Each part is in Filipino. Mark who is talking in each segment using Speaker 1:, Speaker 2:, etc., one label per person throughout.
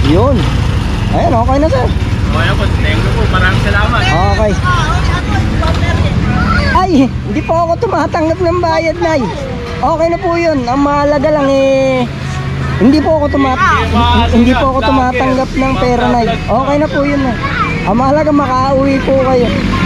Speaker 1: Yun. Ayan, okay na sir.
Speaker 2: Okay na po, thank you po. Maraming salamat.
Speaker 1: Okay. Ay, hindi po ako tumatanggap ng bayad, Nay. Okay na po yun. Ang mahalaga lang hindi po ako tumatanggap ng pera, Nay. Okay na po yun, Nay. Ang mahalaga makauwi po kayo.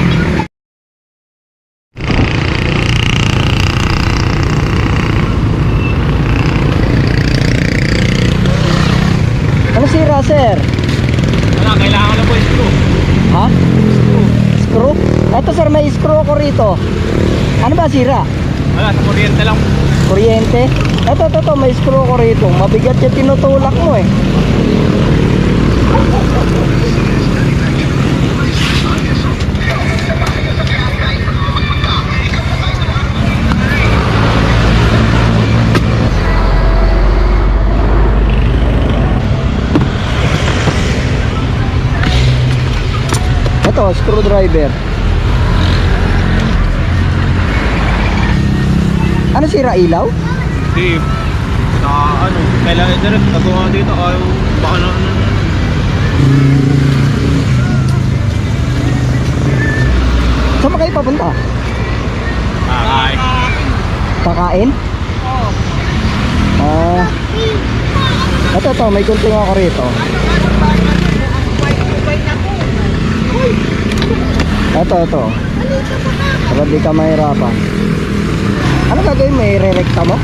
Speaker 1: Ano sira, sir?
Speaker 2: Wala, kailangan na po yung screw.
Speaker 1: Ha? Screw? Ito sir, may screw ko rito. Ano ba sira?
Speaker 2: Wala, sa kuryente lang.
Speaker 1: Kuryente? Ito, may screw ko rito. Mabigat yung tinutulak mo eh. Ito, screwdriver. Ano sira, ilaw?
Speaker 2: Hindi. Sa ano, kailangan direct. Tagawa dito, ayaw. Baka na ano.
Speaker 1: Saan ba kayo papunta?
Speaker 2: Ay.
Speaker 1: Kakain? Oo. Ito, may gunting ako rito. Ito. Para di ka mahirapan. Ano gagawin mo? I-re-recta mo?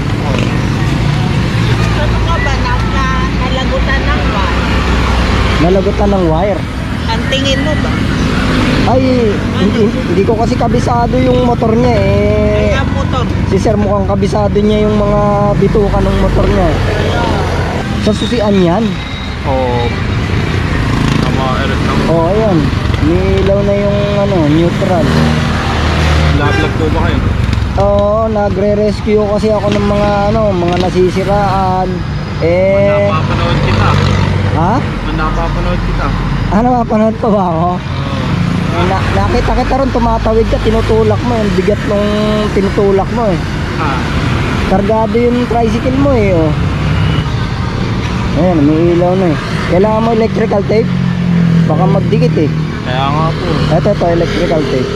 Speaker 3: Ano ka ba? Nalagutan ng wire.
Speaker 1: Nalagutan ng wire?
Speaker 3: Ang tingin mo ba?
Speaker 1: Ay, hindi ko kasi kabisado yung motor niya eh.
Speaker 3: Ang motor.
Speaker 1: Si sir mukhang kabisado niya yung mga bituka ng motor niya eh. Sa susian yan?
Speaker 2: Oo. Tama, erot lang.
Speaker 1: Oo, ayan. Nilaw na yung neutral.
Speaker 2: Nag-vlog po ba kayo?
Speaker 1: Oo, nagre-rescue kasi ako ng mga nasisiraan.
Speaker 2: Napapanood kita.
Speaker 1: Ha?
Speaker 2: Napapanood kita.
Speaker 1: Mapanood pa ba ako? Nakita kita ron, tumatawid ka, tinutulak mo. Yung bigat nung tinutulak mo eh. Kargado yung tricycle mo eh. Oh. Ayan, may ilaw na eh. Kailangan mo electrical tape? Baka magdikit eh.
Speaker 2: Kaya nga po.
Speaker 1: Ito, electrical tape.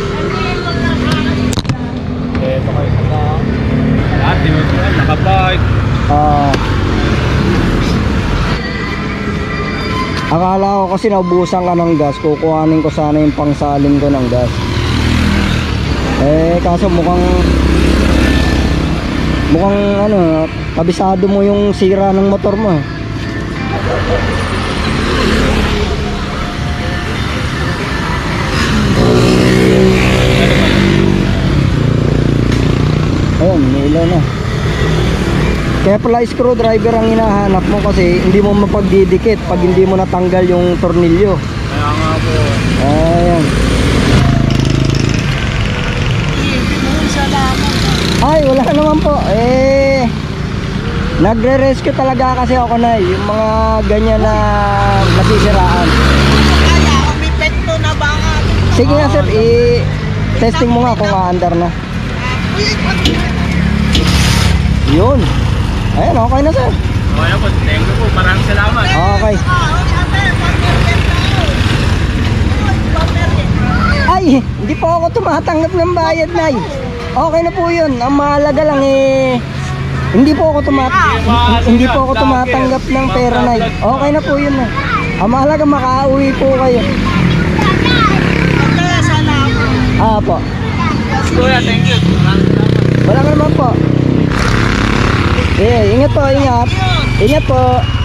Speaker 2: Ito kayo sa lahat, tinutuan, nakabike.
Speaker 1: Akala ko kasi naubusan ka ng gas, kukuhanin ko sana yung pangsalin ko ng gas. Kaso mukhang kabisado mo yung sira ng motor mo. Ayun, may ilaw na. Kaya pala screwdriver ang hinahanap mo kasi hindi mo mapagdidikit pag hindi mo natanggal yung tornilyo.
Speaker 2: Kaya nga po.
Speaker 1: Ayan. Ay, wala naman po. Nagre-rescue talaga kasi ako na yung mga ganyan na nasisiraan.
Speaker 3: Kaya umipekto na ba nga?
Speaker 1: Sige nga sir, testing mo nga kung aandar na. Yun. Ayan, okay na sir.
Speaker 2: Okay na po, thank you po. Maraming salamat.
Speaker 1: Okay. Ay, hindi po ako tumatanggap ng bayad, Nay. Okay na po yun. Ang mahalaga lang hindi po ako tumatanggap ng pera, Nay. Okay na po yun, Nay. Ang mahalaga makauwi po kayo.
Speaker 3: Kaya salamat.
Speaker 1: Po.
Speaker 2: Kuya, thank you. Maraming salamat.
Speaker 1: Wala ka naman po. Ingat po, ingat. Ingat po.